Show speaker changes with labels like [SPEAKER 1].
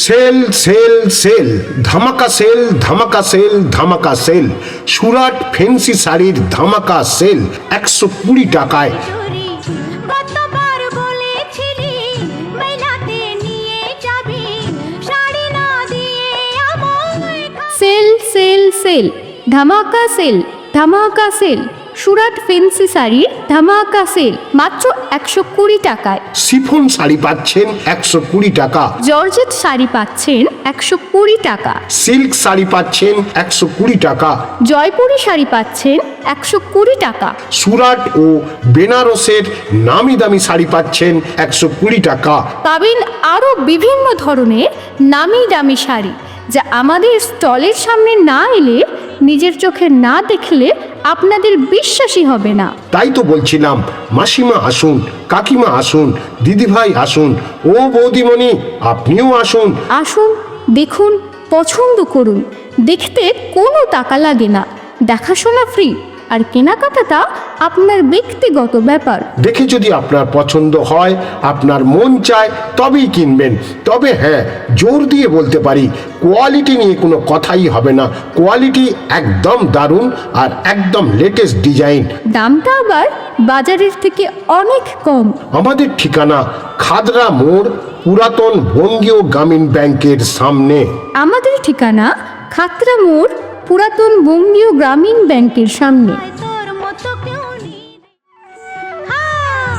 [SPEAKER 1] Sell sale sale ধামাকা sale ধামাকা sale ধামাকা সেল সুরাট ফেন্সি শাড়ির ধামাকা সেল 120 টাকায়।
[SPEAKER 2] সেল সেল সেল ধামাকা সেল ধামাকা সেল সুরাট ফেন্সি শাড়ির ধামাকা সেল মাত্র 120 টাকায়।
[SPEAKER 1] শিফন শাড়ি পাচ্ছেন 120 টাকা,
[SPEAKER 2] জর্জেট শাড়ি পাচ্ছেন 120 টাকা,
[SPEAKER 1] সিল্ক শাড়ি পাচ্ছেন 120 টাকা,
[SPEAKER 2] জয়পুরি শাড়ি পাচ্ছেন 120 টাকা,
[SPEAKER 1] সুরাট ও বেনারসের নামি দামি শাড়ি পাচ্ছেন 120 টাকা।
[SPEAKER 2] পাবেন আরও বিভিন্ন ধরনের নামি দামি শাড়ি, যা আমাদের স্টলের সামনে না এলে, নিজের চোখে না দেখলে আপনাদের বিশ্বাসই হবে না।
[SPEAKER 1] তাই তো বলছিলাম, মাসিমা আসুন, কাকিমা আসুন, দিদিভাই আসুন, ও বৌদিমণি আপনিও আসুন।
[SPEAKER 2] আসুন, দেখুন, পছন্দ করুন। দেখতে কোনো টাকা লাগে না, দেখাশোনা ফ্রি, আর কেনাকাটাটা আপনার ব্যক্তিগত ব্যাপার।
[SPEAKER 1] দেখে যদি আপনার পছন্দ হয়, আপনার মন চায়, তবেই কিনবেন। তবে হ্যাঁ, জোর দিয়ে বলতে পারি, কোয়ালিটি নিয়ে কোনো কথাই হবে না। কোয়ালিটি একদম দারুণ আর একদম লেটেস্ট ডিজাইন।
[SPEAKER 2] দামটা আবার বাজারের থেকে অনেক কম।
[SPEAKER 1] আমাদের ঠিকানা খাদরা মোড়, পুরাতন বঙ্গীয় গ্রামীণ ব্যাংকের সামনে।
[SPEAKER 2] আমাদের ঠিকানা খাতড়া মোড়, পুরাতন বঙ্গীয় গ্রামীণ ব্যাংকের সামনে।